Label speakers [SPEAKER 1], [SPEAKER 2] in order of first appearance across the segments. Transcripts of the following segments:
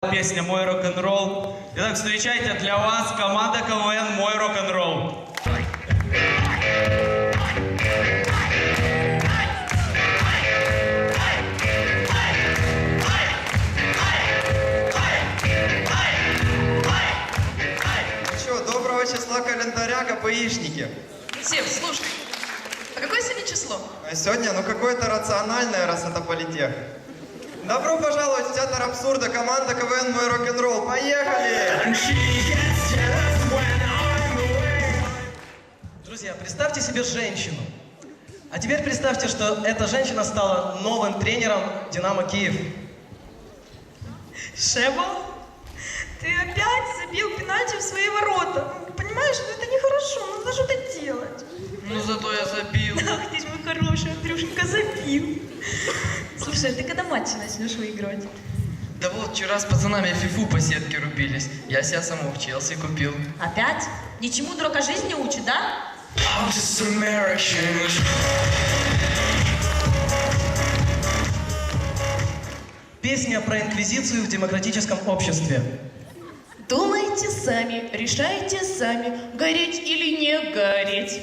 [SPEAKER 1] Песня «Мой рок-н-ролл». Итак, встречайте, для вас команда КВН «Мой рок-н-ролл».
[SPEAKER 2] Что, доброго числа календаря, КПИшники?
[SPEAKER 3] Сев, слушай, а какое сегодня число?
[SPEAKER 2] А сегодня, ну какое-то рациональное, раз это политех. Добро пожаловать в театр абсурда, команда КВН «Мой рок-н-ролл». Поехали!
[SPEAKER 4] Друзья, представьте себе женщину. А теперь представьте, что эта женщина стала новым тренером «Динамо Киев».
[SPEAKER 3] Шеба, ты опять забил пенальти в свои ворота. Понимаешь, ну это нехорошо, надо что-то делать.
[SPEAKER 1] Ну зато я забил.
[SPEAKER 3] Ах ты ж мой хороший, Андрюшенька, забил. Слушай, а ты когда матчи начнешь выигрывать?
[SPEAKER 5] Да вот, вчера с пацанами в фифу по сетке рубились. Я себя саму в Челси купил.
[SPEAKER 6] Опять? Ничему дурака жизни учит, да?
[SPEAKER 5] I'm just American.
[SPEAKER 4] Песня про инквизицию в демократическом обществе.
[SPEAKER 6] Думайте сами, решайте сами, гореть или не гореть.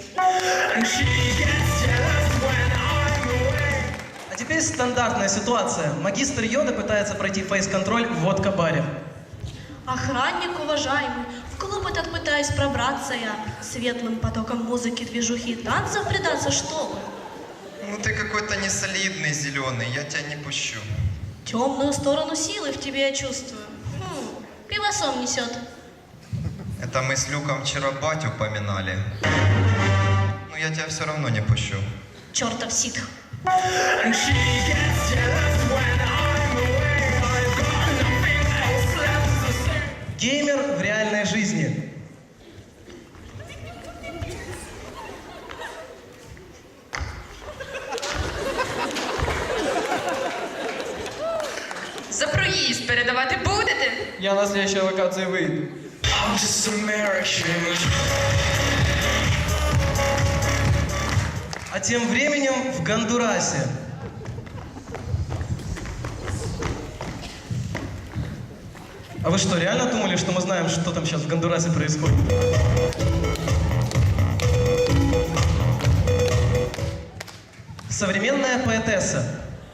[SPEAKER 4] А теперь стандартная ситуация. Магистр Йода пытается пройти фейс-контроль в водка-баре.
[SPEAKER 6] Охранник уважаемый, в клуб этот пытаюсь пробраться я. Светлым потоком музыки, движухи и танцев предаться, что вы?
[SPEAKER 2] Ну ты какой-то несолидный зеленый, я тебя не пущу.
[SPEAKER 6] Темную сторону силы в тебе я чувствую. Пивосом несет.
[SPEAKER 2] Это мы с Люком вчера батю поминали. Ну я тебя все равно не пущу.
[SPEAKER 6] Чертов ситх.
[SPEAKER 4] Геймер в реальной жизни.
[SPEAKER 3] За проїзд передавати будете?
[SPEAKER 1] Я на следующей локации выйду.
[SPEAKER 5] I'm just American.
[SPEAKER 4] А тем временем в Гондурасе. А вы что, реально думали, что мы знаем, что там сейчас в Гондурасе происходит? Современная поэтесса.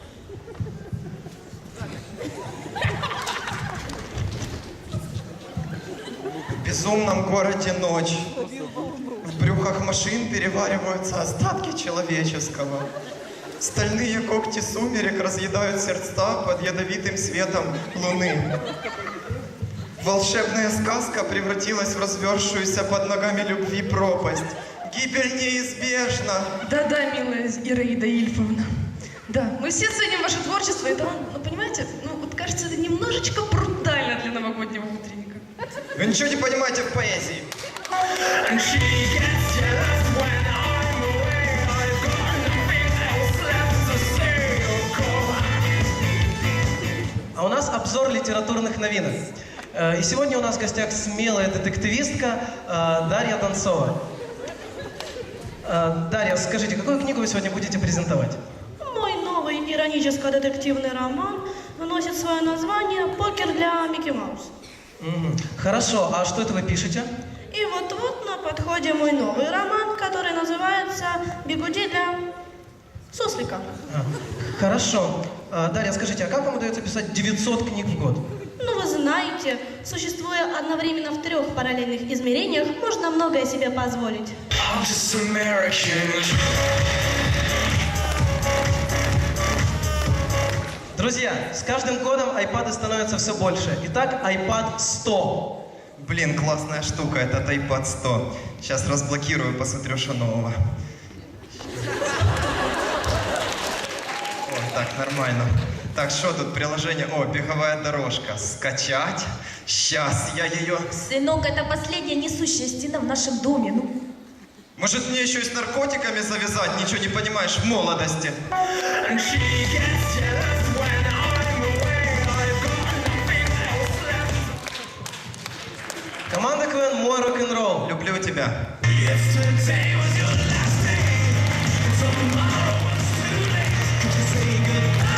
[SPEAKER 2] В безумном городе ночь. В брюхах машин перевариваются остатки человеческого. Стальные когти сумерек разъедают сердца под ядовитым светом луны. Волшебная сказка превратилась в развершуюся под ногами любви пропасть. Гибель неизбежна.
[SPEAKER 3] Да-да, милая Ираида Ильфовна. Да, мы все ценим ваше творчество, и там, ну, понимаете, ну, вот кажется, это немножечко брутально для новогоднего утренника.
[SPEAKER 2] Вы ничего не понимаете в поэзии.
[SPEAKER 4] А у нас обзор литературных новинок. И сегодня у нас в гостях смелая детективистка Дарья Донцова. Дарья, скажите, какую книгу вы сегодня будете презентовать?
[SPEAKER 6] Мой новый ироническо-детективный роман носит свое название «Покер для Микки Маус».
[SPEAKER 4] Хорошо, а что это вы пишете?
[SPEAKER 6] И вот-вот на подходе мой новый роман, который называется «Бигуди для суслика».
[SPEAKER 4] Хорошо. Дарья, скажите, а как вам удается писать 900 книг в год?
[SPEAKER 6] Ну, вы знаете, существуя одновременно в 3 параллельных измерениях, можно многое себе позволить.
[SPEAKER 5] I'm just American.
[SPEAKER 4] Друзья, с каждым годом айпады становятся все больше. Итак, iPad 100.
[SPEAKER 2] Блин, классная штука, этот iPad 100. Сейчас разблокирую, посмотрю, что нового. О, так, нормально. Так, что тут приложение? О, беговая дорожка. Скачать. Сейчас я ее...
[SPEAKER 6] Сынок, это последняя несущая стена в нашем доме. Ну,
[SPEAKER 2] Может, мне еще и с наркотиками завязать? Ничего не понимаешь в молодости.
[SPEAKER 4] Команда КВН «Мой рок-н-ролл».
[SPEAKER 2] Люблю тебя.
[SPEAKER 5] Yesterday was your last day. Tomorrow was too late. Could you say goodbye?